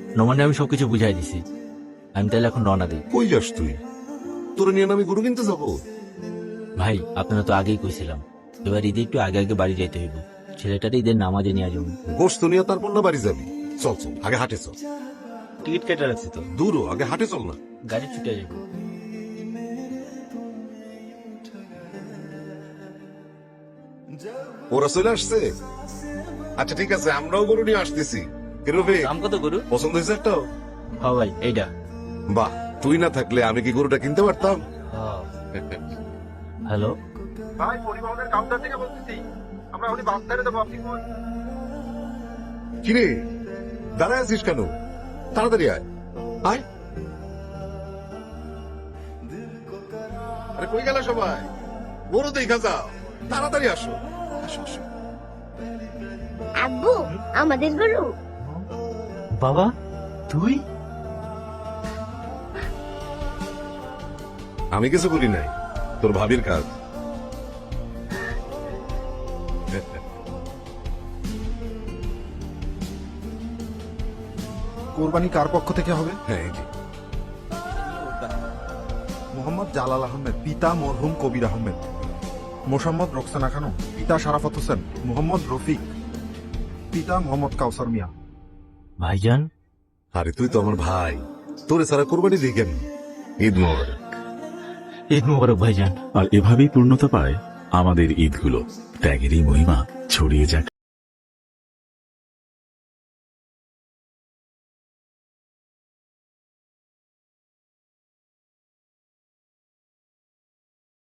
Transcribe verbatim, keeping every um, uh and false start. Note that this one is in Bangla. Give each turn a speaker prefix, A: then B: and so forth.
A: নোমানে আমি সবকিছু বুঝাই দিছি। আমি তাহলে এখন রওনা দিই।
B: কই যাস তুই? তোরে নিয়ে না আমি গরু কিনতে যাবো?
A: ভাই আপনারা তো আগেই কইছিলাম, এবার ঈদে একটু আগে আগে বাড়ি যাইতে হইব। ছেলেটারে ঈদের নামাজে নিয়ে যাবো।
B: গোস্ত নিয়ে তারপর না বাড়ি যাবি? চল চল, আগে হাটে চল।
A: টিকিট কেটে রাখছি তো,
B: দূরও, আগে হাটে চল না।
A: গাড়ি ছুটে যাবো।
B: ওরা চলে আসছে? আচ্ছা ঠিক আছে, আমরাও গরু নিয়ে আসতেছি। কেরবে
A: দাম কত গরু?
B: পছন্দ হয়েছে একটা?
A: হ্যাঁ ভাই এইটা।
B: বাহ, তুই না থাকলে আমি কি গরুটা কিনতে পারতাম?
A: হ্যালো,
C: ভাই পরিবহনের কাউন্টার থেকে বলতেছি, আমরা উনি বাস ছেড়ে দেবো, আপনি কোন?
B: কিরে দাঁড়ায় আছিস কেন? তাড়াতাড়ি আয় আয়। আরে কই গেল সবাই? গরু দেখা যাও, তাড়াতাড়ি আসো। আসো আসো।
D: আব্বু, আমাদের গরু।
A: বাবা তুই?
B: আমি কিছু করি নাই, তোর ভাবির কাজ।
C: কোরবানি কার পক্ষ থেকে হবে?
B: হ্যাঁ এই যে।
C: মোহাম্মদ জালাল আহমেদ, পিতা মরহুম কবির আহমেদ। মোসাম্মদ রোকসানা খানম, পিতা শারাফত হোসেন। মোহাম্মদ রফিক, পিতা মোহাম্মদ কাউসার মিয়া।
A: ভাইজান,
B: আরে তুই তো আমার ভাই, তোরে সারা কোরবানি দিই কেন? ঈদ মোবারক।
A: ঈদ মোবারক ভাইজান।
E: আর এভাবেই পূর্ণতা পায় আমাদের ঈদগুলো। ত্যাগেরই মহিমা ছড়িয়ে যাক